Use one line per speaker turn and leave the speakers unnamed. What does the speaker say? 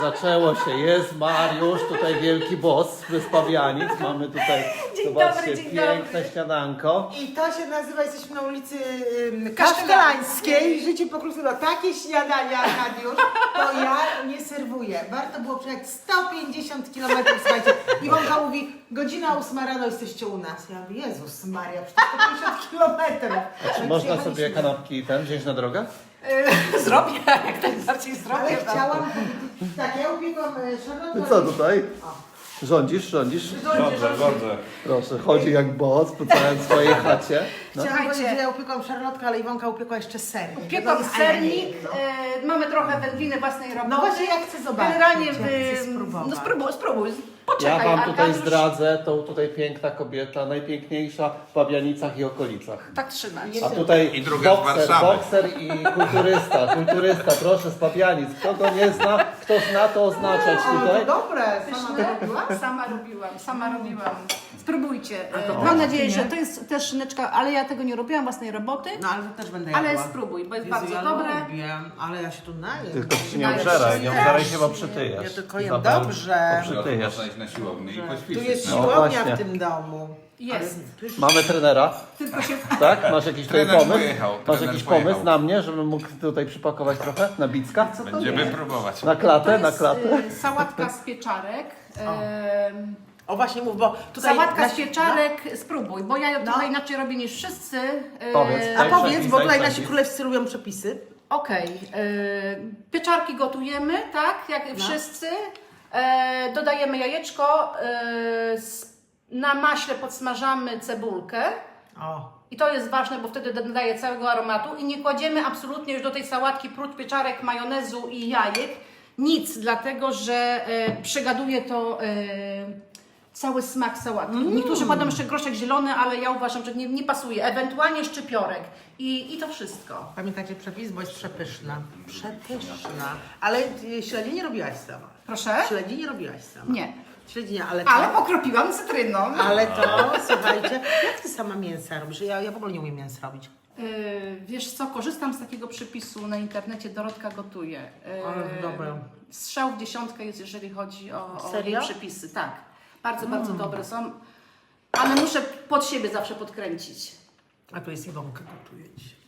Zaczęło się, jest Mariusz, tutaj wielki boss z Pawianic. Mamy tutaj, zobaczcie, piękne śniadanko.
I to się nazywa, jesteśmy na ulicy Kasztelańskiej, życie pokrótce, takie śniadania, Arkadiusz, to ja nie serwuję. Warto było przejechać 150 km, słuchajcie. Iwonka mówi, godzina 8 rano jesteście u nas. Ja mówię, Jezus Maria, przecież 150 km.
Czy można sobie kanapki wziąć na drogę?
Zrobię, jak najbardziej zrobię.
Ale chciałam powiedzieć, tak, ja upiekłam szarlotkę.
No co tutaj? Rządzisz?
Rządzę.
Proszę, chodzi jak boss po całej swojej chacie. No.
Chciałam
Słuchajcie.
powiedzieć, że ja upiekłam szarlotkę, ale Iwonka upiekła jeszcze sernik.
Upiekłam
No,
sernik,
no.
mamy trochę wędliny własnej roboty.
No właśnie, ja chcę zobaczyć.
Generalnie,
ja chcę spróbować.
no spróbuj. Poczekaj,
Ja wam tutaj
Arkadiusz.
zdradzę, tą tutaj piękna kobieta, najpiękniejsza w Pawianicach i okolicach.
Tak trzymać.
A tutaj
I druga z Warszawy.
bokser i kulturysta, proszę z Pawianic. Kto go nie zna, kto zna, to oznaczać tutaj.
To dobre, sama
Pyszne?
robiła?
Sama robiłam. Spróbujcie.
to
Mam
proszę,
nadzieję,
nie?
że to jest też szyneczka, ale ja tego nie robiłam, własnej roboty.
No ale to też będę jadła.
Ale spróbuj, bo jest
Jezu,
bardzo
ja
dobre.
lubię, ale ja się tu najem.
Tylko się nie
Dajesz
obżeraj,
się
nie
zjeść.
obżeraj się, bo przytyjesz.
Ja tylko jem
Izabel,
dobrze.
bo przytyjesz.
Można iść na siłownię i
Tu
poćwiczyć.
jest
No
siłownia
właśnie.
w tym domu.
Jest.
Mamy trenera,
Tylko się...
tak? Masz jakiś tutaj
Trener
pomysł?
pojechał,
Masz
trener
jakiś
pojechał.
pomysł na mnie, żebym mógł tutaj przypakować trochę na bicka?
Będziemy próbować.
Na
To
klatę, na
jest
klatę.
sałatka z pieczarek.
O właśnie mów, bo tutaj...
Sałatka z
nasi-
pieczarek, spróbuj, bo ja
No.
trochę inaczej robię niż wszyscy.
Powiedz,
A
daj
powiedz,
przepis,
bo
daj
tutaj
przepis.
nasi królewscy lubią przepisy.
Okej. Pieczarki gotujemy, tak, jak wszyscy. Dodajemy jajeczko, na maśle podsmażamy cebulkę.
O.
I to jest ważne, bo wtedy dodaje całego aromatu. I nie kładziemy absolutnie już do tej sałatki prócz pieczarek, majonezu i jajek nic, dlatego że przegaduje to cały smak sałatki. Niektórzy kładą jeszcze groszek zielony, ale ja uważam, że nie pasuje. Ewentualnie szczypiorek. I to wszystko.
Pamiętacie przepis, bo jest przepyszna. Przepyszna. Ale śledzi nie robiłaś sama.
Proszę?
Śledzi nie robiłaś sama.
Nie.
Śledzi nie, ale to...
Ale pokropiłam cytryną.
Ale to, słuchajcie, jak ty sama mięsa robisz? Ja w ogóle nie umiem mięsa robić.
Wiesz co, korzystam z takiego przepisu na internecie, Dorotka gotuje.
Ale dobre.
Strzał w dziesiątkę jest, jeżeli chodzi o jej
Serio?
przepisy. Tak, bardzo dobre są, ale muszę pod siebie zawsze podkręcić.
A tu jest Iwonka, gotuje ci.